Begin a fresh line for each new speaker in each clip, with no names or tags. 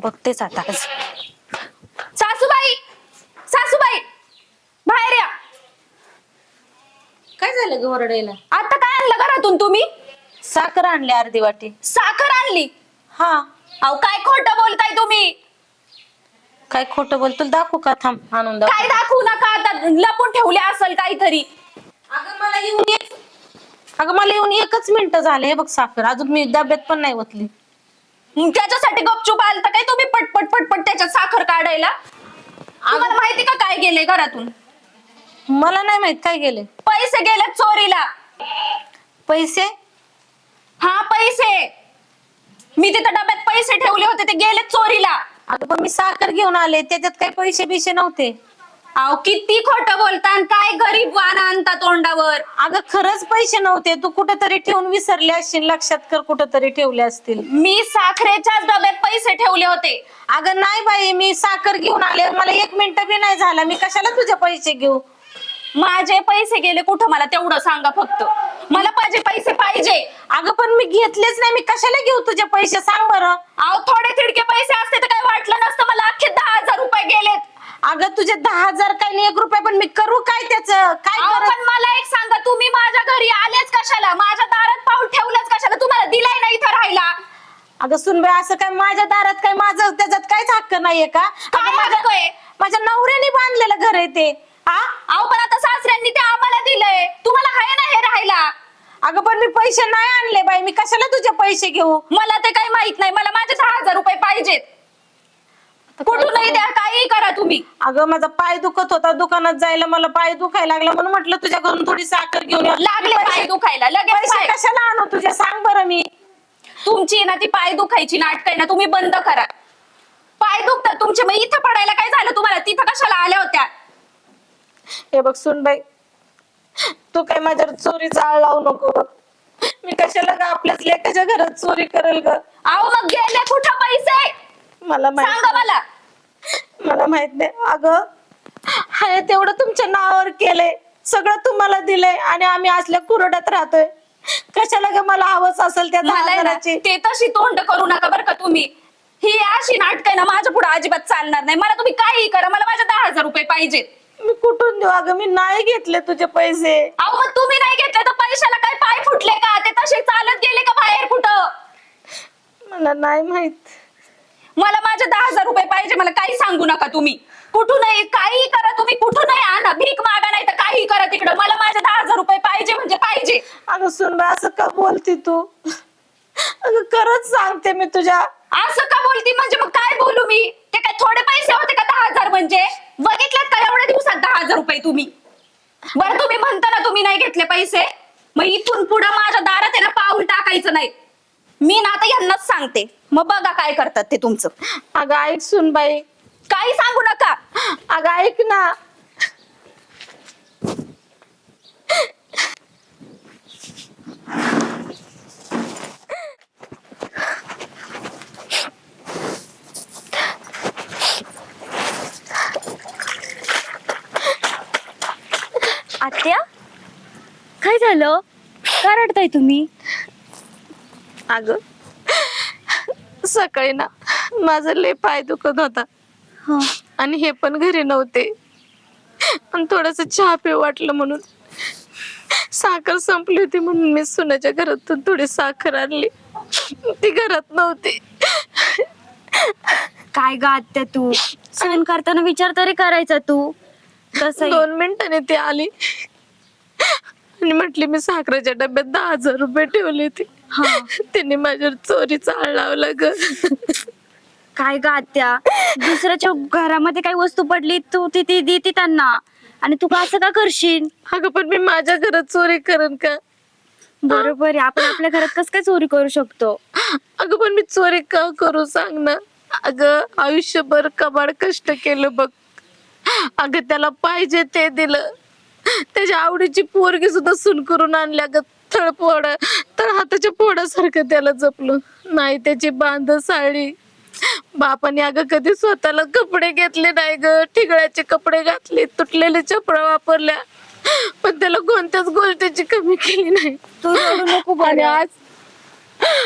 बघतेच आता आज.
सासूबाई, सासूबाई बाहेर या.
काय झालं ग ओरडायला?
आता काय आणलं घरातून तुम्ही?
साखर आणली अर्धी वाटी.
साखर आणली?
हा.
अहो काय खोटं बोलताय तुम्ही?
काय खोटं बोल, तुला दाखवू का? थांब आणून दाखव.
काय दाखवू नका, आता लपून ठेवले असेल काहीतरी.
अगं मला येऊन एकच मिनिट झाले. हे बघ साखर अजून मी डब्यात पण नाही ओतली.
त्याच्यासाठी गपचूप आलता काय तुम्ही पटपट पटपट त्याच्यात साखर काढायला? तुम्हाला माहिती का काय गेलंय घरातून?
मला नाही माहित काय गेले.
पैसे गेले चोरीला.
पैसे?
हा पैसे. मी तिथं डब्यात पैसे ठेवले होते ते गेले चोरीला.
अगं पण मी साखर घेऊन आले, त्याच्यात काही पैसे बिशे नव्हते.
अहो किती खोटं बोलता आणि काय गरीब वाण आणता तोंडावर.
अगं खरंच पैसे नव्हते. तू कुठेतरी ठेवून विसरले असशील. लक्षात कर, कुठेतरी ठेवले असतील.
मी साखरेच्याच डब्यात पैसे ठेवले होते.
अगं नाही बाई, मी साखर घेऊन आले. मला एक मिनिट बी नाही झाला. मी कशाला तुझे पैसे घेऊ?
माझे पैसे गेले कुठं मला तेवढं सांगा फक्त. मला माझे पैसे पाहिजे.
अगं पण मी घेतलेच नाही. मी कशाला घेऊ तुझे पैसे? सांग बरं.
अहो थोडे तिडके पैसे असते तर काय वाटलं नसतं. मला अख्खे 10,000 रुपये गेलेत.
अगं तुझे 10,000 काही नाही, 1 रुपया. पण मी करू काय त्याचं? काय
अहो
करत?
पण मला एक सांगा, तुम्ही माझ्या घरी आलेच कशाला? माझ्या दारात पाऊल ठेवलंच कशाला? तुम्हाला दिलाय ना इथं राहायला.
अगं सुनबाई, असं काय माझ्या दारात काय माझं त्याच्यात काहीच हक्क नाहीये का?
काय हक्क आहे?
माझ्या नवऱ्याने बांधलेलं घर आहे ते. हा?
अहो पण आता सासऱ्यांनी ते आम्हाला दिलंय. तुम्हाला आहे ना हे राहायला.
अगं पण मी पैसे नाही आणले बाई. मी कशाला तुझे पैसे घेऊ?
मला ते काही माहित नाही. मला माझे 10,000 रुपये पाहिजेत. कुठूनही द्या, काही करा तुम्ही.
अगं माझा पाय दुखत होता, दुकानात जायला मला पाय दुखायला लागला, म्हणून म्हटलं तुझ्याकडून थोडी साखर घेऊन ये.
लागले पाय दुखायला लगेच.
पैसे
पाय.
कशाला आणू तुझे? सांग बरं. मी
तुमची ना ती पाय दुखायची नाटक आहे ना, तुम्ही बंद करा. पाय दुखतात तुमचे, मग इथं पडायला काय झालं तुम्हाला? तिथं कशाला आल्या होत्या?
हे बघ सुनबाई, तू काय माझ्यावर चोरीचा आळ लावू नको बघ. मी कशाला ग आपल्याच लेकाच्या घरात चोरी करेल ग?
अहो मग गेले कुठं पैसे?
मला
सांगा मला.
मला माहित नाही. अगं हाय तेवढं तुमच्या नावावर केलंय, सगळं तुम्हाला दिलंय आणि आम्ही असल्या कुरड्यात राहतोय. कशाला ग मला हवंच असेल त्या
मला आहे ना,
10,000ची?
ते तशी तोंड करू नका बरं का तुम्ही. ही अशी नाटक आहे ना माझ्या पुढे अजिबात चालणार नाही. मला तुम्ही काही करा, मला माझे 10,000 रुपये पाहिजेत.
मी कुठून देऊ? अगं मी नाही घेतले तुझे पैसे.
अहो मग तुम्ही नाही घेतले तर पैशाला काय पाय फुटले का? ते तसे चालत गेले का बाहेर कुठं?
मला नाही माहित.
मला माझे 10,000 रुपये पाहिजे. मला काही सांगू नका तुम्ही. कुठूनही काही करा तुम्ही, कुठूनही आणा, भीक मागा नाही तर काही करा तिकडं. मला माझे 10,000 रुपये पाहिजे म्हणजे पाहिजे.
अगं सुनबाई, असं का बोलती तू? अगं खरंच सांगते मी तुझ्या.
असं का बोलती म्हणजे? मग काय बोलू मी? ते काय थोडे पैसे होते का 10,000 म्हणजे? बघितलेत का एवढ्या दिवसात 10,000 रुपये तुम्ही? बरं तुम्ही म्हणता ना तुम्ही नाही घेतले पैसे, मग इथून पुढे माझ्या दारात आहे ना पाऊल टाकायचं नाही. मी ना आता यांनाच सांगते, मग बघा काय करतात ते तुमचं.
अगं ऐक सुनबाई.
काही सांगू नका.
अगं ऐक ना.
आत्या काय झालं? का रडताय तुम्ही?
अगं सकाळी ना माझा लय पाय दुखत होता आणि हे पण घरी नव्हते आणि थोडस चहा पिऊ वाटलं म्हणून साखर संपली होती, म्हणून मी सुनाच्या घरातून थोडी साखर आणली. ती घरात नव्हती.
काय ग आत्या, तू सहन करताना विचार तरी करायचा तू. तसं
2 मिनिटांनी ती आली आणि म्हटली मी साखरेच्या डब्यात 10,000 रुपये ठेवले होते. तिने माझ्यावर चोरीचा आळ लावला ग.
काय ग आत्या, दुसऱ्याच्या घरामध्ये काही वस्तू पडली तू ती देते त्यांना आणि तू असं का करशील?
अगं पण मी माझ्या घरात चोरी करेन का?
बरोबर आहे, आपण आपल्या घरात कस काय चोरी करू शकतो?
अगं पण मी चोरी का करू सांग ना. अगं आयुष्यभर कबाड कष्ट केलं बघ. अगं त्याला पाहिजे ते दिलं. त्याच्या आवडीची पोरगी सुद्धा सून करून आणल्या ग. तळ हाताच्या फोडासारखं त्याला जपलं नाही. त्याची बांध साडी बापाने अगं कधी स्वतःला कपडे घेतले नाही ग. ठिगळ्याचे कपडे घातले, तुटलेले चपळा वापरल्या, पण त्याला कोणत्याच गोष्टीची कमी केली नाही.
तू रडू नको
आणि
बरं.
आज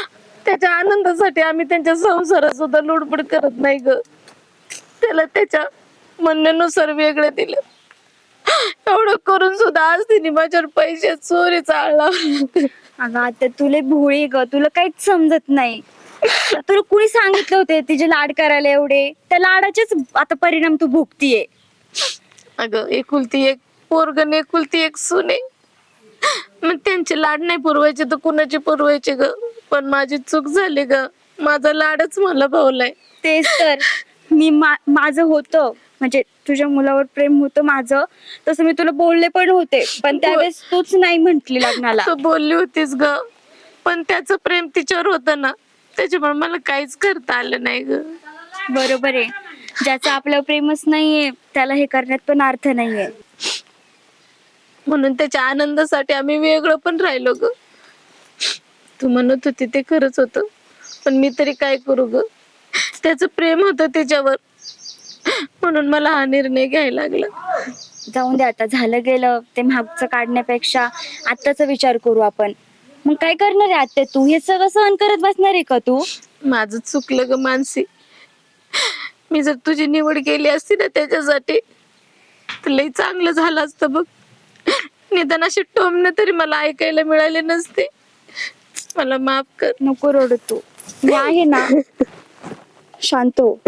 त्याच्या आनंदासाठी आम्ही त्यांच्या संसारात सुद्धा लुडबुड करत नाही ग. त्याला त्याच्या म्हणण्यानुसार वेगळं दिलं. एवढं करून सुद्धा आज तिने माझ्यावर पैसे चोरी चालला.
अगं आता तुला भोळी ग, तुला काहीच समजत नाही. तुला कुणी सांगितलं होते तिचे लाड करायला एवढे? त्या लाडाचेच आता परिणाम तू भोगतीये.
अगं एकुलती एक पोरग आणि एकुलती एक सुने, मग त्यांचे लाड नाही पुरवायचे तर कुणाचे पुरवायचे ग. पण माझी चूक झाली ग, माझा लाडच मला भावलाय.
तेच तर मी माझं होतं, म्हणजे तुझ्या मुलावर प्रेम होतं माझं, तसं मी तुला बोलले पण होते, पण त्यावेळेस तूच नाही म्हंटली लग्नाला.
तू बोलली होतीस ग, पण त्याचं प्रेम तिच्यावर होतं ना, त्याच्यामुळे मला काहीच करता आलं नाही ग.
बरोबर आहे, ज्याचं आपल्यावर प्रेमच नाहीये त्याला हे करण्यात पण अर्थ नाहीये.
म्हणून त्याच्या आनंदासाठी आम्ही वेगळं पण राहिलो ग. तू म्हणत होती ते खरंच होतं, पण मी तरी काय करू ग. त्याचं प्रेम होतं तिच्यावर, म्हणून मला हा निर्णय घ्यायला लागला.
जाऊन दे आता, झालं गेलं ते मागचं काढण्यापेक्षा आत्ताचा विचार करू आपण. मग काय करणार आहे आत्या तू? हे सगळं सहन करत बसणार आहे का तू?
माझं चुकलं ग मानसी. मी जर तुझी निवड केली असती ना त्याच्यासाठी, तर लई चांगलं झालं असतं बघ. निदान अशी टोमणं तरी मला ऐकायला मिळाले नसते. मला माफ कर.
नको रडू तू, मी आहे ना. शांत हो,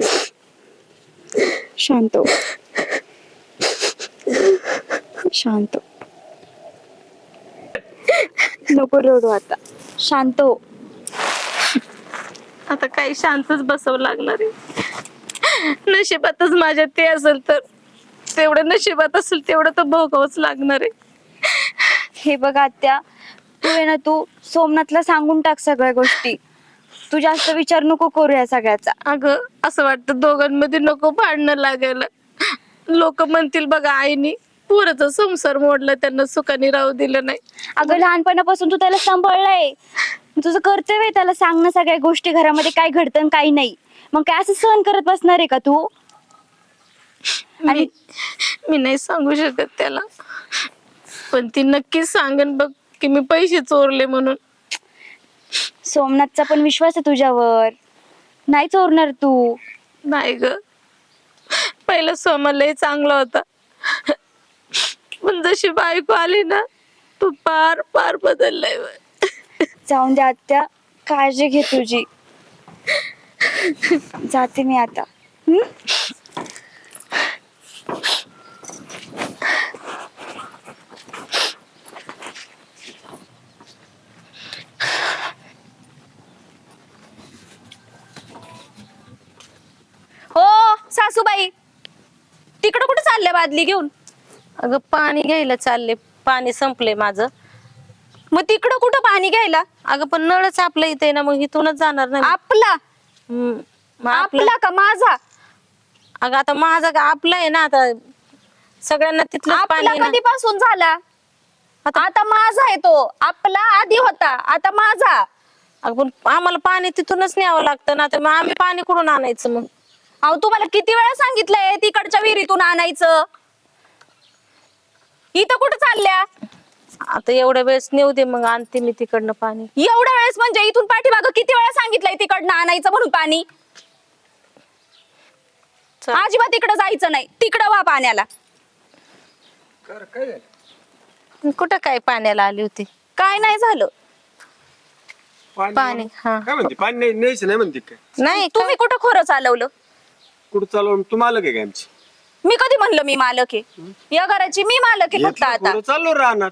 शांत हो, शांत हो. नको रडू आता, शांत हो.
आता काही शांतच बसावं लागणार आहे. नशिबातच माझ्या ते असेल तर तेवढं, नशिबात असेल तेवढं तर भोगावंच लागणार आहे.
हे बघ आत्या, तू आहे ना, तू सोमनाथला सांगून टाक सगळ्या गोष्टी. तू जास्त विचार नको करू या सगळ्याचा.
अगं असं वाटतं दोघांमध्ये नको भांडणं लागायला. लोक म्हणतील बघा आईनी पोराचा संसार मोडला, त्यांना सुखाने राहू दिलं नाही.
अगं लहानपणापासून तू त्याला सांभाळलाय, तुझं कर्तव्य आहे त्याला सांगणं सगळ्या गोष्टी, घरामध्ये काय घडतं आणि काय नाही. मग काय असं सहन करत बसणार आहे का तू?
मी नाही सांगू शकत त्याला, पण ती नक्कीच सांगेन बघ की मी पैसे चोरले म्हणून.
सोमनाथचा पण विश्वास आहे तुझ्यावर, नाही चोरणार तू.
नाही ग, पहिला सोमालही चांगला होता, पण जशी बायको आली ना, तू पार पार बदललाय.
जाऊन दे आत्या, काळजी घे तुझी. जाते मी आता.
हो सासूबाई, तिकडं कुठं चालले बादली घेऊन?
अगं पाणी घ्यायला चालले, पाणी संपले माझं.
मग तिकडं कुठं पाणी घ्यायला?
अगं पण नळच आपलं इथे आहे ना, मग इथूनच जाणार नाही.
आपला?
मग
आपला का माझा?
अगं आता माझा का आपला आहे ना, आता सगळ्यांना तिथलं पाणी
आपला
आहे ना.
कधीपासून झाला? आता माझा आहे तो. आपला आधी होता, आता माझा.
अगं पण आम्हाला पाणी तिथूनच न्यावं लागतं ना, तर मग आम्ही पाणी कुठून आणायचं मग?
अहो तुम्हाला किती वेळा सांगितलंय तिकडच्या विहिरीतून आणायचं. इथं कुठं चालल्या?
आता एवढ्या वेळेस नेऊ दे, मग आणते मी तिकडनं पाणी.
एवढ्या वेळेस म्हणजे इथून पाठीमागं किती वेळा सांगितलंय तिकडनं आणायचं म्हणून पाणी?
चल.
अजिबात तिकडं जायचं नाही, तिकडं वा पाण्याला.
कुठं काय पाण्याला आली होती?
काय नाही झालं.
पाणी हा
काय म्हणते? पाणी नाही न्यायचं नाही म्हणते काय?
नाही
तुम्ही कुठं खोरं चालवलं?
कुठं चालवून तू मालक आहे का आमची?
मी कधी म्हणलं मी मालक आहे? या घराची मी मालक आहे फक्त आता.
कुठं चाललो राहणार?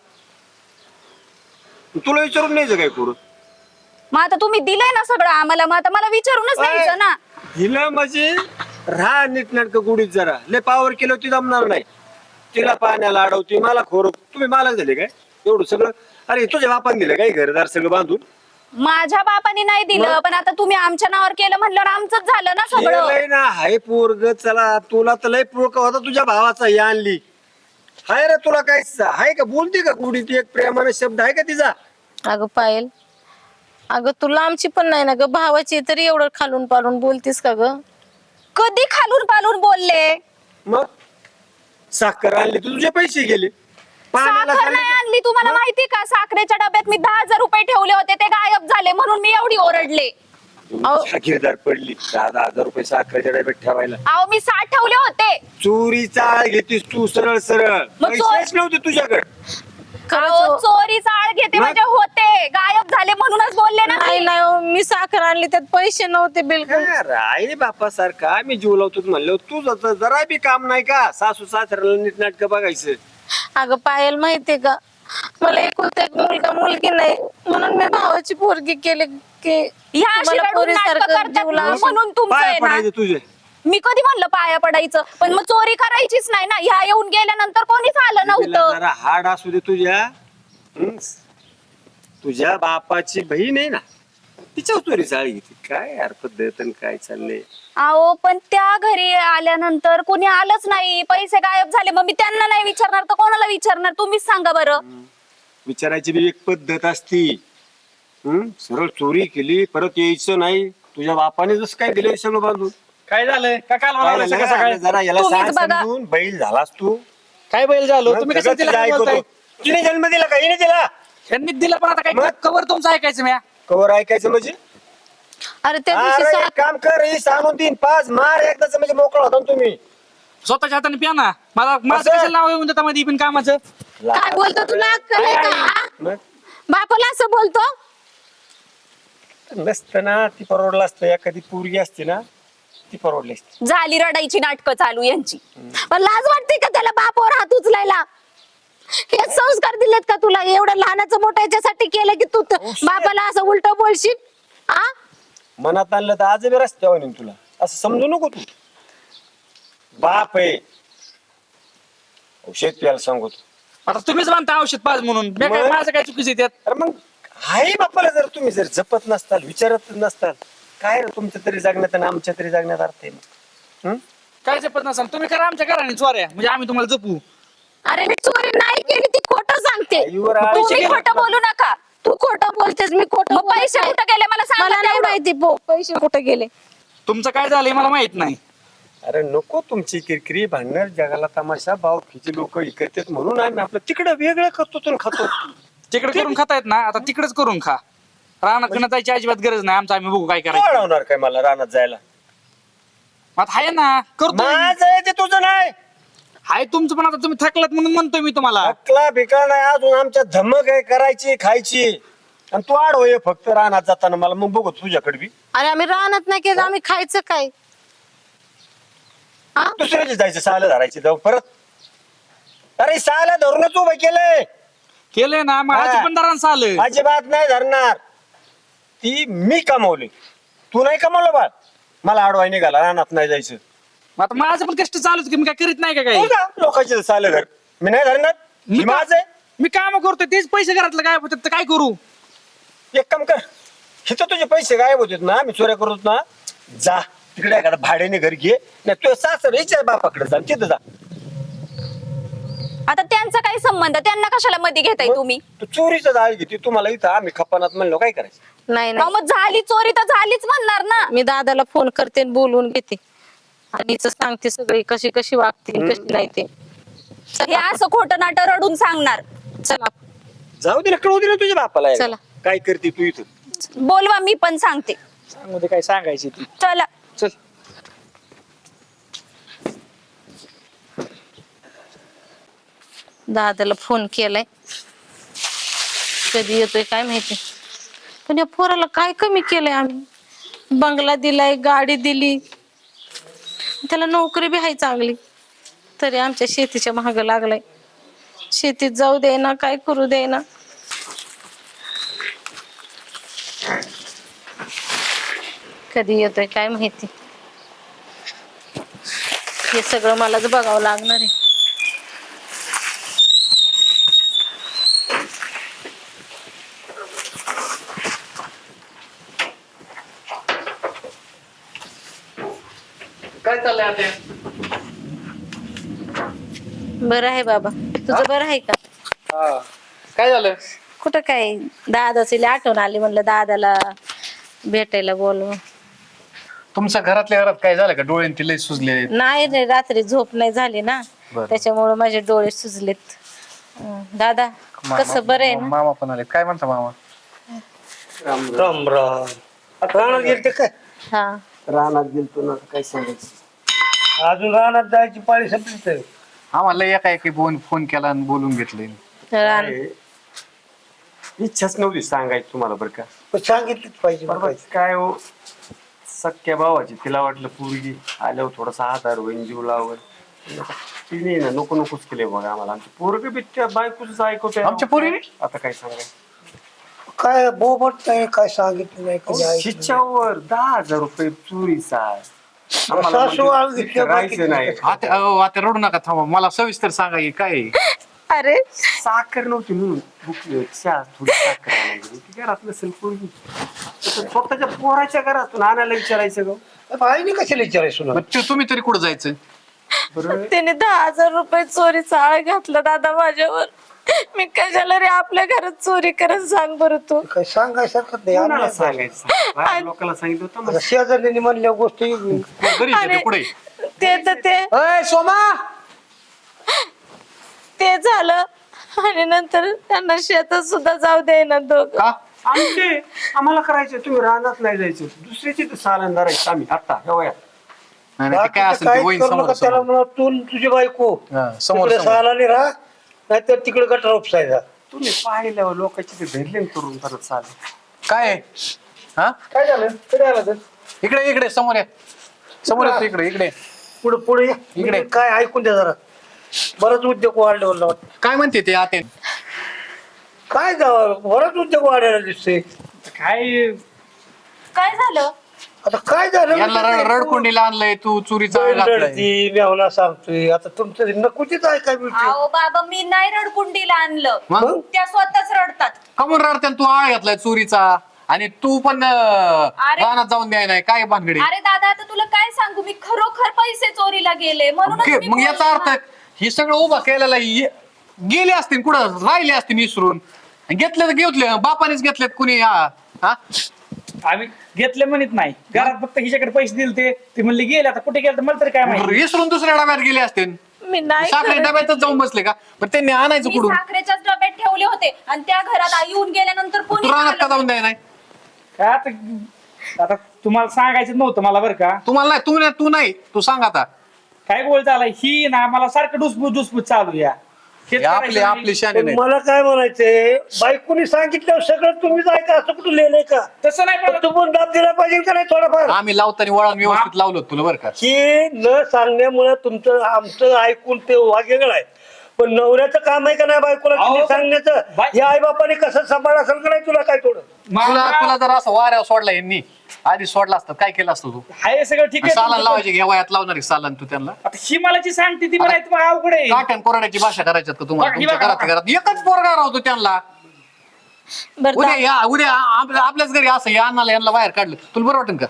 तुला विचारून न्यायचं काय कुठं?
मग आता तुम्ही दिलंय ना सगळं आम्हाला, मग आता मला विचारूनच न्यायचं ना.
हिला म्हणजे राहा नीटनाटक गुढीत जरा. लय पावर केलं ती जमणार नाही. तिला पाण्याला अडवती, मला खोर. तुम्ही मालक झाले काय एवढं सगळं? अरे तुझ्या बापान दिलं काय घरदार सगळं बांधून?
माझ्या बापाने नाही दिलं, पण आता तुम्ही आमच्या नावावर केलं म्हणल्यावर आमचंच झालं ना सगळं.
लय ना हाय पोरग. चला तुला तर लय पोरका होता तुझ्या भावाचा, ही आणली. हाय रे तुला काय हाय का? बोलते का गुढीत एक प्रेमाने शब्द आहे का तिचा?
अगं पायल, अगं तुला आमची पण नाही ना ग, भावाची तरी एवढं खालून पालून बोलतीस का ग?
कधी खालून पालून बोलले?
मग साखर आणली तर तुझे पैसे गेले. पाण्याला
साखर नाही आणली तुम्हाला माहिती का? साखरेच्या डब्यात मी 10,000 रुपये ठेवले होते, ते गायब झाले म्हणून मी एवढी ओरडले.
जागीरदार पडली 10,000 रुपये साखरेच्या डब्यात ठेवायला.
अहो मी 60 ठेवले होते.
चोरीचा आळ घेतीस तू सरळ सरळ.
मग
पैसेच नव्हते तुझ्याकडे.
अहो, चोरीचा आळ घेते म्हणजे होते, गायब झाले म्हणूनच बोलले ना
नाही
मी.
नाही हो, मी साखर आणली त्यात पैसे नव्हते बिलकुल.
आई बापा सारखा मी जीव लावतो म्हणलं तुझं जरा बी काम नाही का? सासू सासऱ्याला नीट नाटक बघायचं.
अगं पायल माहितीये का, मला एकुलता एक मुलगा मुलगी नाही म्हणून मी भावाची पोरगी केली की
ह्या अशी
मला
रडून नाटकं
पोरीसारखं
करतात
जीव लावशील.
म्हणून तुमचं
पाय
आहे ना.
पडायचे तुझे.
मी कधी म्हणलं पाया पडायचं, पण मग चोरी करायचीच नाही ना. ह्या येऊन गेल्यानंतर कोणीच आलं
तिला
नव्हतं.
जरा हाड असू दे तुझ्या. तुझ्या बापाची बहीण आहे ना, तिच्या चोरी चाळी घेते. काय यार पद्धत आणि काय चाललंय.
अहो पण त्या घरी आल्यानंतर कोणी आलंच नाही, पैसे गायब झाले. मग मी त्यांना नाही विचारणार तर कोणाला विचारणार? तुम्हीच सांगा बरं.
विचारायची बी एक पद्धत असती. सरळ चोरी केली परत यायचं नाही. तुझ्या बापाने जसं काय दिलं सगळं बांधून.
काय झालंय का काल
काय
मला
झालं?
सकाळी
जरा याला
तुम्हीच
सांग
बघा.
समजून. बैल झालास तू.
काय बैल झालो तुम्ही कसं
सगळं
तिला
तुझं
काय
ऐकतो.
बोलताय?
तिने जन्म दिला का? हिने दिला.
त्यांनी दिलं पण आता
मग?
काय कवर तुमचं ऐकायचं म्या.
कवर ऐकायचं म्हणजे?
अरे त्या दिवशी
अरे एक काम कर, ही सांगून 3-5 मार एकदाच म्हणजे मोकळा होता ना तुम्ही.
स्वतःच्या हाताने प्या ना. मला माझं
असं?
कशाला नाव येऊन देता मध्ये पण कामाचं.
काय बोलतो तुला अक्कल आहे का? हा?
मग
बापाला असं बोलतो?
नसतं ना, ती परवडलं असतं. एखादी पोरगी असते ना, ती परवडली असते.
झाली रडायची नाटकं चालू यांची.
पण लाज वाटते का त्याला बापावर हात उचलायला? हे संस्कार दिलेत का तुला? एवढं लहानाचं मोठं याच्यासाठी केलं की तू बापाला असं उलट बोलशील? आ
मनात आणलं तर आज बी रस्त्यावर नेईन तुला. असं समजू नको तू. बाप आहे औषध प्यायला सांगतो.
आता तुम्हीच म्हणता औषध पाज म्हणून. मी काय
मग?
माझं काय चुकीचं आहे त्यात?
अरे मग आई बापाला जर तुम्ही जर जपत नसताल, विचारत नसताल, काय रे तुमच्या तरी जगण्यात आणि आमच्या तरी जगण्यात अर्थ आहे मग.
काय जपत नसाल तुम्ही करा आमच्या घराने चोऱ्या म्हणजे आम्ही तुम्हाला जपू.
अरे मी चोरी नाही केली, ती खोटं सांगते.
आईवर आळ
तुम्ही
शिकेल.
खोटं बोलू नका.
तू खोटं बोलतेस, मी खोटं
मग
बोलत
पैसे
नाही.
कुठं गेले मला सांगा
मला नाही
तेवढं.
माहिती पैसे कुठे गेले.
तुमचं काय झालंय मला माहित नाही.
अरे नको तुमची किरकिरी भांडण. जगाला तमाशा भाव खिची लोक ऐकतात म्हणून आम्ही आपलं तिकडं वेगळं करतो आणि खातो.
तिकडे करून खातायत ना, आता तिकडेच करून खा. रानात पिण्यात जायची अजिबात गरज नाही. आमचं आम्ही बघू काय करायचं.
वाढवणार काय मला रानात जायला?
आता आहे ना करतो.
माझं आहे ते तुझं नाही.
हाय तुमचं पण आता तुम्ही थकलात म्हणून म्हणतोय मी तुम्हाला.
अकला बिकला नाही अजून. आमच्या धमक आहे करायची खायची. आणि तू आड होय फक्त रानात जाताना मला मग बघू तुझ्याकडे बी.
अरे आम्ही राहणार नाही केलं, आम्ही खायचं काय? हा?
दुसऱ्याची जायचं साला धरायची जाऊ परत. अरे साला धरूनच उभं केलंय.
केलंय ना मग
हा.
आजी पण दारांचं आलं.
अजिबात नाही धरणार. ती मी कमावली, तू नाही कमावलं बा. मला आडवाय निघाला रानात नाही जायचं.
मग आता माझं पण कष्ट चालूच की मी काय करीत नाही का काही.
तू जा, लोकांचे सालं घर मी नाही धरणार.
मी
मी माझं आहे.
मी काम करतोय तेच पैसे घरातलं काय होतात तर काय करू.
एक काम कर, हिथं तुझे पैसे गायब होते ना, मी चोऱ्या करतो ना. जा तिकडे एखादं भाड्याने घर घे. नाही तुझ्या सासर याच्या बापाकडे जा तिथं जा.
आता त्यांचा काही संबंध? त्यांना कशाला मध्ये घेताय तुम्ही?
तू चोरीचं जाळ घेते. तुम्हाला इथं आम्ही खपानात म्हणलो काय करायचं?
नाही
अहो,
नाही,
मग झाली चोरी तर झालीच म्हणणार ना.
मी दादाला फोन करते आणि बोलवून घेते आणि हिचं सांगते सगळी कशी कशी वागते आणि कशी नाही ते.
हे असं खोटं नाटं रडून सांगणार.
चला
जाऊ दे ना, कळू दे ना तुझ्या बापाला एकदा.
चला.
काय करते तू इथं?
बोलवा, मी पण सांगते.
सांगू दे काय सांगायची ती.
चला.
चल.
दादाला फोन केलाय, कधी येतोय काय माहिती. पण या पोराला काय कमी केलंय आम्ही? बंगला दिलाय, गाडी दिली, त्याला नोकरी बी आहे चांगली, तरी आमच्या शेतीच्या महाग लागलाय. शेतीत जाऊ दे ना, काय करू दे ना. कधी येतोय काय माहिती. हे सगळं मलाच बघावं लागणार आहे.
काय चाललंय आता?
बरं आहे बाबा, तुझं बरं आहे का?
हा. काय झालं?
कुठं काय, दादाची लई आठवण आली, म्हणलं दादाला भेटायला बोलव.
तुमच्या घरातल्या घरात काय झालं का? डोळे ते लय सुजले.
नाही रे, रात्री झोप नाही झाली ना,
बरं.
त्याच्यामुळे माझे डोळे सुजलेत. दादा कसं बरं आहे ना?
मामा पण आले. काय म्हणता मामा?
राम राम रानात गेलते काय?
हा
रानात गेलतो ना, काय सांगायचं अजून रानात जायची पाळी संपली तर
आम्हाला एका फोन केला आणि बोलून घेतले.
रान-
काय, इच्छाच नव्हती सांगायची तुम्हाला बरं का.
पण सांगितलंच पाहिजे
बरोबर काय हो, सख्या भावाची तिला वाटलं पोरगी आल्यावर थोडासा आधार होईल, जीव लावल. तिने ना नको नकोच केले बघा आम्हाला. आमची पोरग बी त्या बायकोच ऐकवते.
आमच्या पोरीने?
आता काय सांगायचं,
काय बोबट नाही, काय सांगितलं नाही, कधी ऐकलं नाही.
शिच्यावर 10,000 रुपये चोरीचा. आम्हाला
सासू
म्हणजे
आळू घेतल्या
राहायचं नाही.
आता रडू नका, थांबा. मला सविस्तर सांगा हे काय आहे?
अरे
साखर नव्हती म्हणून भुकली, चहा थोडी साखर आणायची. ती घरात नसेल पोरगी, तर स्वतःच्या पोराच्या घरातून आणायला विचारायचं ग.
आईने कशाला विचारायचं
मग तुम्ही तरी कुठं जायचं?
बरं
त्याने 10,000 रुपये चोरीचा आळ घातला दादा माझ्यावर. मी कशाला रे आपल्या घरात चोरी करत सांग बरं तू.
काय सांगायसारखं नाही.
कोणाला
आम्ही
सांगायचं, बाहेर लोकांना सांगितलं होतं
आता
मग.
शेजारल्याने म्हणल्या गोष्टी
घरी
अरे,
पुढे
ते तर ते
अय सोमा,
ते झालं आणि नंतर त्यांना शेतात सुद्धा जाऊ दे ना दोघं.
का?
आमचे आम्हाला करायचं, तुम्ही रानात नाही जायचं, दुसऱ्याची तर सालन धरायचं आम्ही आता या वयात.
नाही नाही, ते काय असेल ते
काय
होईन
करू
समोर
नका, त्याला
समोर.
म्हणा तू न तुझी बायको
हा, समोर
तिकडे
समोर.
सालाने राहा, नाहीतर तिकडे गटर उपसायचा.
तुम्ही पाहिल्यावर लोकांची ते धरले करून परत चालेल.
काय आहे? हा,
काय झालं कधी आला तर
इकडे समोर या. समोर येतो, इकडे
पुढे पुढे
इकडे.
काय ऐकून द्या जरा. बरंच उद्योग वाढले मला वाटतं.
काय म्हणते ते आते?
काय जावं, बरंच उद्योग वाढायला दिसते.
काय
काय झालं?
आता काय झालं
यांना रडकुंडीला आणलंय, तू चोरीचा आळ घातलाय.
रडती मेवना सांगतोय. आता तुमचं नकोचीच ऐकाय मिळते.
अहो बाबा, मी नाही रडकुंडीला आणलं,
मग
त्या स्वतःच रडतात.
कमून रडते तू? आळ घातलाय चोरीचा आणि तू पण रानात जाऊन द्याय नाही. काय भानगडी?
अरे दादा, आता तुला काय सांगू, मी खरोखर पैसे चोरीला गेले म्हणून
मग याचा अर्थ हे सगळं उभा केलेला गेले असतील कुठं, राहिले असतील विसरून. घेतले तर घेतले, बापानेच घेतलेत कुणी. हा,
आम्ही घेतले म्हणत नाही, घरात फक्त हिच्याकडे पैसे दिले ते म्हणले गेले. आता कुठे गेले तर मला तरी काय माहिती.
विसरून दुसऱ्या डब्यात गेले असतील.
मी नाही
साखरे
करत.
डब्यातच जाऊन बसले का? पण त्यांनी आणायचं
मी
कुठून?
साखरेच्याच डब्यात ठेवले होते आणि त्या घरात येऊन गेल्यानंतर कोणी
तू रानात का
आलं
जाऊन द्याय नाही?
काय आता तुम्हाला सांगायचं नव्हतं मला बरं का.
तुम्हाला नाही, तू नाही, तू सांग आता.
काय बोलता आला ही ना, मला सारखं डुसपूस चालू या. हेच
हे
करायचं
आपले
नाही.
शाने
पण
नाही.
मला काय म्हणायचंय, बायकोनी सांगितलं सगळं तुम्हीच ऐका, असं कुठं लिहिलंय का?
तसं नाही
पण
पण
तू पण दाब दिला पाहिजे का नाही थोडाफार?
आम्ही लावताना वळण व्यवस्थित लावलं होतं तुला बरं का.
की न सांगण्यामुळे तुमचं आमचं ऐकून ते वागेगळ आहे. पण नवऱ्याचं काम आहे का नाही बायकोला
अहो,
किती सांगण्याचं?
बाय-
या आई बापाने कसं सांभाळ असेल का नाही तुला काय थोडं?
तुला जर असं वाऱ्यावर सोडला यांनी, आधी सोडला असतं काय केलं असतं तू?
हाय सगळं ठीक
सालन
आहे.
लावायचे घ्या वयात लावणार सालन तू त्यांना.
आता ही मला जी सांगते ती म्हणायचं मग अवघड आहे.
काटण कोरड्याची भाषा करायच्यात का तुम्हाला?
बघा, ही
तुमच्या
बघा.
घरात एकच पोरगा राहतो त्यांना.
बरं
उद्या आपल्याच घरी असं या अन्नाला यांना बाहेर काढलं तुला बरं वाटेल का?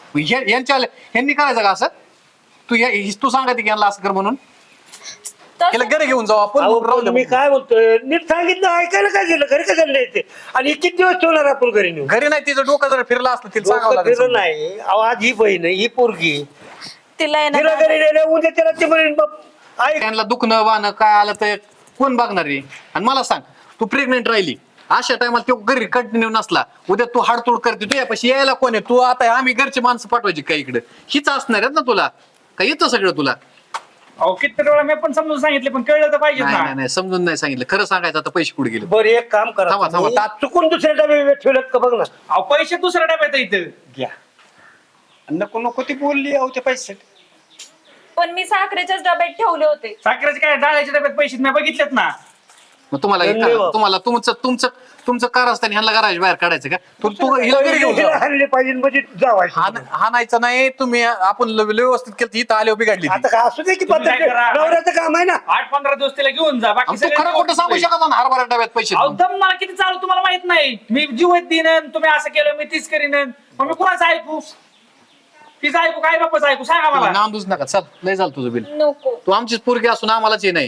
यांनी करायचं का असं? तू सांगा की यांना असं कर म्हणून.
तसं-
घरी घेऊन जाऊ आपण,
अहो,
मग राहू
पण
दे
मी
मग.
काय बोलतोय, नीट सांगितलं ऐकायला काय गेलं, घरी कशाला न्यायचे? आणि किती दिवस ठेवणार आपण घरी नेऊन?
घरी नाही, तिचं डोकं जर फिरलं असतं तिला सांगावं
डोकं
लागेल
फिरलं
समजून.
नाही. अहो, आज ही बहीण आहे, ही पोरगी,
तिला आहे ना
तिला
दादा,
घरी नेलं, उद्या त्याला ते म्हणेन बाप ऐक.
त्यांना दुखणं वाहणं काय आलं तर कोण बघणार आहे? आणि मला सांग, तू प्रेग्नेंट राहिली अशा टायमाला तो घरी कंटिन्यू नसला, उद्या तू हाडतोड करते, तू यापाशी यायला कोण आहे? तू आता आम्ही घरचे माणसं पाठवायची काय इकडे? हीच असणार आहेत ना तुला? काय येतं सगळं तुला?
अहो किती वेळा मी पण समजून सांगितले पण कळलं तर पाहिजे
नाही
ना.
नाही नाही, समजून नाही सांगितलं. खरं सांगायचं आता पैसे कुठे गेले?
बरं एक काम करा,
थांबा, थांबा.
तुम्ही चुकून दुसऱ्या डबे ठेवलेत का बघ ना.
अहो पैसे दुसऱ्या डब्यात इथं
घ्या. नको नको ती बोलली अहो त्या पैशासाठी.
पण मी साखरेच्याच डब्यात ठेवले होते.
साखरेचे काय डाळ्याच्या डब्यात पैसे मी बघितलेत ना.
मग तुम्हाला
धन्यवाद.
तुम्हाला तुमचं कार असताना ह्यांना घराच्या बाहेर काढायचं का? तू हिला घरी घेऊन जा.
हल्ले पाहिजे म्हणजे जावायचं.
हाणायचं नाही तुम्ही. आपण व्यवस्थित केलं इथं आले बिघडली ती.
आता काय असू दे की
तुम्ही
पद्धत
काय करा?
नवऱ्याचं काम आहे ना.
8-15 दिवस तिला घेऊन जा. बाकी
आणि तू
सगळे
खरं खोटं सांगू शकत ना हरभरा डब्यात पैसे
अहो
देऊन?
दम मला किती चालू तुम्हाला माहित नाही. मी जीव देईन, तुम्ही असं केलं मी तीच करीन. मग मी कुणाचं ऐकू? तिचं ऐकू काय बापाचं ऐकू सांगा मला.
नांदूच नका. चल लय झालं तुझं बिल.
नको.
तू आमचीच पोरगी असून आम्हालाच हे नाही.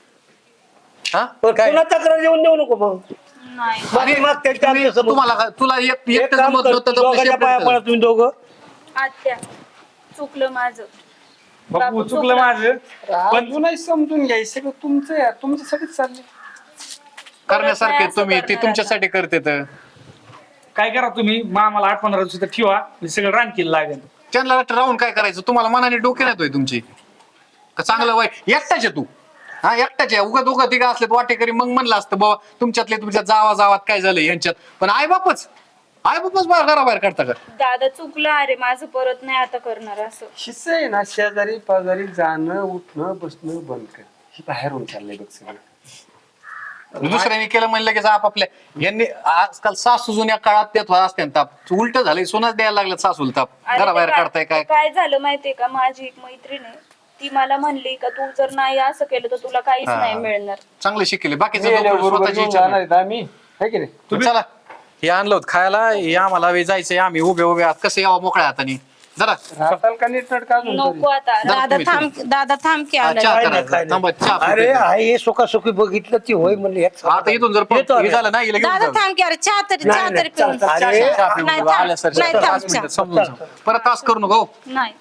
हा
पण
काय?
तुला तक्रार येऊन देऊ नको मग.
नाही.
अरे,
मग त्यांच्या आमच्या समोर.
तुम्हाला तुला
एक
एकटं
काम
जमत
कर,
नव्हतं तर
दोघांच्या
separate
पाया
कर.
पडा तुम्ही दोघं.
आत्या, चुकलं माझं.
बापू चुकलं माझं.
पण तू नाही समजून घ्यायचं सगळं तुमचं आहे, तुमच्यासाठीच चाललंय.
करण्यासारखे
नाही असं
तुम्ही ते
करणार
तुमच्यासाठी करते तर
काय करा तुम्ही मामाला 8-15 दिवस इथं ठेवा मी सगळं रानकीला लागेल.
त्यांना राहून काय करायचं तुम्हाला मनाने डोके नाही तुमची का चांगलं वाईट एकटाच आहे तू हा एकटाच आहे उगा दोघं तिघं असले वाटेकरी मग म्हणलं असतं बाबा तुमच्यातले तुमच्या जावात काय झालं यांच्यात पण आई बापच घराबाहेर काढता का
दादा चुकलं अरे माझं परत नाही आता करणार असं.
हिस्सा आहे ना शेजारी पाजारी जाणं उठणं बसणं बंद कर. ही बाहेरून चाललंय बघ सगळं.
दुसऱ्याने केलं म्हणलं की आपापल्या यांनी आजकाल सासू जुन्या काळात देत असते ताप उलट झालंय सोनाच द्यायला लागलं सासूला ताप
अरे
घराबाहेर
ते
काढताय काय
काय झालं माहितीये का माझी एक मैत्रीण आहे ती मला म्हणली का तू जर नाही असं केलं तर तुला काहीच
हा.
नाही मिळणार.
चांगले शिकले बाकीचे
बरोबर
स्वतःची
घेऊन
इच्छा
जाणार
नाही.
आहेत आम्ही है की नाही.
तुम्ही चला हे आणलं होतं खायला हे आम्हाला वेळ जायचंय आम्ही उभे आहात कसं यावं मोकळ्या हाताने जरा
राहताल का नीटनाटक अजून तरी?
नको आता
दादा
तुम्ही-
थांब दादा थांब की
हा,
आलं.
चहा
काय
करा.
नाही, काय नाही.
थांबा, चहा
अरे
पितो.
आई सुखासुखी बघितलं ती होय म्हणले
आता इथून जर
येतो
हे
आम्ही.
झालं ना हिला घेऊन
दादा
जा.
थांब की अरे चहा तरी
नाही,
चहा
नाही,
तरी पिऊन
चल, चल. अरे,
चहा पिऊन
नाही,
घेऊ.
थांब.
आल्या सर
नाही, थांब,
5 मिनिटं
चहा.
समजून सांग. परत तास करू नको
नाही.